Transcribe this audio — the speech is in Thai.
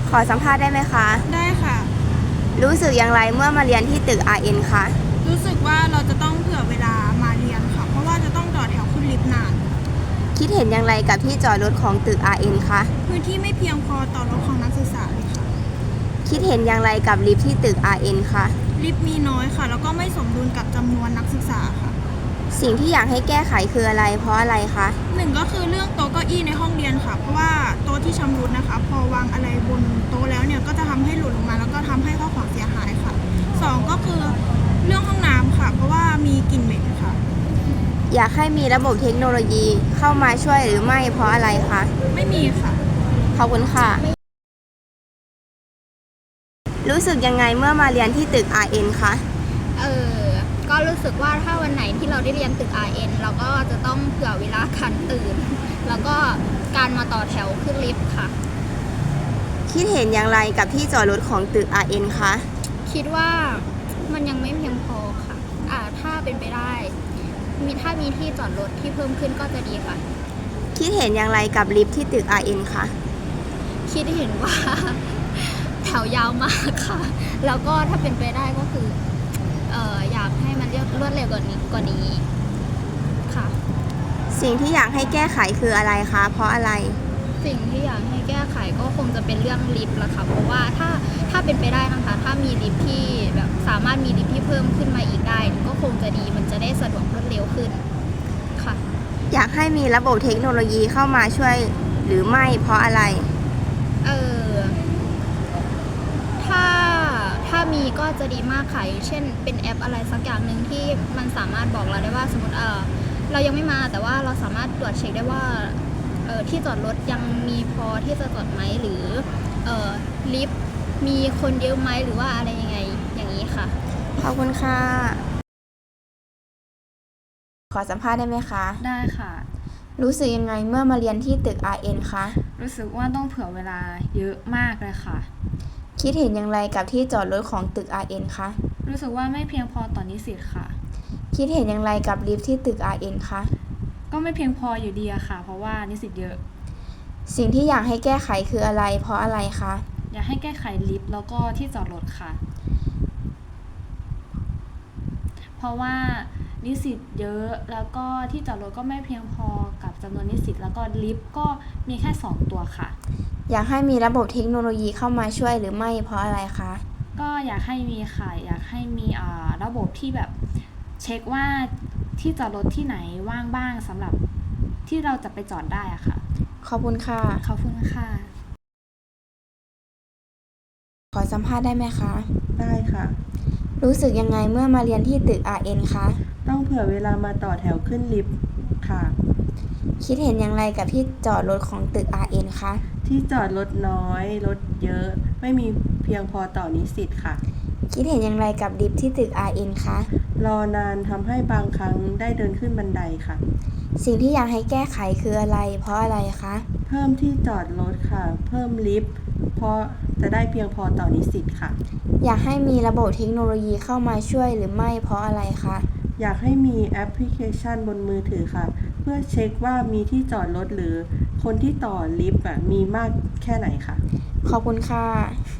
ขอสัมภาษณ์ได้ไหมคะได้ค่ะรู้สึกอย่างไรเมื่อมาเรียนที่ตึก RN คะรู้สึกว่าเราจะต้องเผื่อเวลามาเรียนค่ะ เพราะว่าจะต้องต่อแถวขึ้นลิฟต์นานคิดเห็นอย่างไรกับที่จอดรถของตึก RN คะพื้นที่ไม่เพียงพอต่อรถของนักศึกษาเลยค่ะคิดเห็นอย่างไรกับลิฟต์ที่ตึก RN คะลิฟต์มีน้อยค่ะ แล้วก็ไม่สมดุลกับจำนวนนักศึกษาค่ะสิ่งที่อยากให้แก้ไขคืออะไร เพราะอะไรคะหนึ่งก็คือเรื่องโต๊ะเก้าอี้ในห้องเรียนค่ะ เพราะว่าโต๊ะที่ชำรุดนะคะ พอวางอะไรบนโต๊ะแล้วเนี่ยก็จะทำให้หล่นลงมา แล้วก็ทำให้ข้าวของเสียหายค่ะสองก็คือเรื่องห้องน้ำค่ะ เพราะว่ามีกลิ่นเหม็นค่ะอยากให้มีระบบเทคโนโลยีเข้ามาช่วยหรือไม่เพราะอะไรคะไม่มีค่ะขอบคุณค่ะ รู้สึกยังไงเมื่อมาเรียนที่ตึก RN คะเออก็รู้สึกว่าถ้าวันไหนที่เราได้เรียนตึก RN เราก็จะต้องเผื่อเวลาการตื่น แล้วก็การมาต่อแถวขึ้นลิฟต์ค่ะคิดเห็นอย่างไรกับที่จอดรถของตึก RN คะคิดว่ามันยังไม่เพียงพอค่ะถ้าเป็นไปได้ถ้ามีที่จอดรถที่เพิ่มขึ้นก็จะดีค่ะคิดเห็นอย่างไรกับลิฟต์ที่ตึก RN คะคิดเห็นว่า แถวยาวมากค่ะ แล้วก็ถ้าเป็นไปได้ก็คืออยากให้มันรวดเร็วกว่านี้ค่ะสิ่งที่อยากให้แก้ไขคืออะไรคะ เพราะอะไรสิ่งที่อยากให้แก้ไขก็คงจะเป็นเรื่องลิฟต์ละค่ะ เพราะว่าถ้าเป็นไปได้นะคะ ถ้ามีลิฟต์ที่แบบสามารถมีลิฟต์ที่เพิ่มขึ้นมาอีกได้ ก็คงจะดีมันจะได้สะดวกรวดเร็วขึ้นค่ะอยากให้มีระบบเทคโนโลยีเข้ามาช่วยหรือไม่เพราะอะไรเออถ้ามีก็จะดีมากค่ะอย่างเช่นเป็นแอปอะไรสักอย่างหนึ่งที่มันสามารถบอกเราได้ว่าสมมติเรายังไม่มาแต่ว่าเราสามารถตรวจเช็คได้ว่าที่จอดรถยังมีพอที่จะจอดไหมหรือลิฟต์มีคนเยอะไหมหรือว่าอะไรยังไงอย่างนี้ค่ะขอบคุณค่ะ ขอสัมภาษณ์ได้ไหมคะได้ค่ะรู้สึกยังไงเมื่อมาเรียนที่ตึก RN คะรู้สึกว่าต้องเผื่อเวลาเยอะมากเลยค่ะคิดเห็นอย่างไรกับที่จอดรถของตึก RN คะรู้สึกว่าไม่เพียงพอต่อนิสิตค่ะคิดเห็นอย่างไรกับลิฟต์ที่ตึก RN คะก็ไม่เพียงพออยู่ดีอะค่ะ เพราะว่านิสิตเยอะสิ่งที่อยากให้แก้ไขคืออะไร เพราะอะไรคะอยากให้แก้ไขลิฟต์แล้วก็ที่จอดรถค่ะ เพราะว่านิสิตเยอะแล้วก็ที่จอดรถก็ไม่เพียงพอกับจำนวนนิสิตแล้วก็ลิฟต์ก็มีแค่2ตัวค่ะอยากให้มีระบบเทคโนโลยีเข้ามาช่วยหรือไม่เพราะอะไรคะก็อยากให้มีค่ะ อยากให้มีระบบที่แบบเช็คว่าที่จอดรถที่ไหนว่างบ้างสำหรับที่เราจะไปจอดได้อะค่ะขอบคุณค่ะขอบคุณค่ะขอสัมภาษณ์ได้ไหมคะได้ค่ะรู้สึกยังไงเมื่อมาเรียนที่ตึก RN คะต้องเผื่อเวลามาต่อแถวขึ้นลิฟต์ค่ะคิดเห็นอย่างไรกับที่จอดรถของตึก RN คะที่จอดรถน้อย รถเยอะ ไม่มีเพียงพอต่อนิสิตค่ะคิดเห็นอย่างไรกับลิฟต์ที่ตึก RN คะรอนานทำให้บางครั้งได้เดินขึ้นบันไดค่ะสิ่งที่อยากให้แก้ไขคืออะไร เพราะอะไรคะเพิ่มที่จอดรถค่ะ เพิ่มลิฟต์เพราะจะได้เพียงพอต่อนิสิตค่ะอยากให้มีระบบเทคโนโลยีเข้ามาช่วยหรือไม่เพราะอะไรคะอยากให้มีแอปพลิเคชันบนมือถือค่ะ เพื่อเช็คว่ามีที่จอดรถหรือคนที่ต่อลิฟต์มีมากแค่ไหนค่ะขอบคุณค่ะ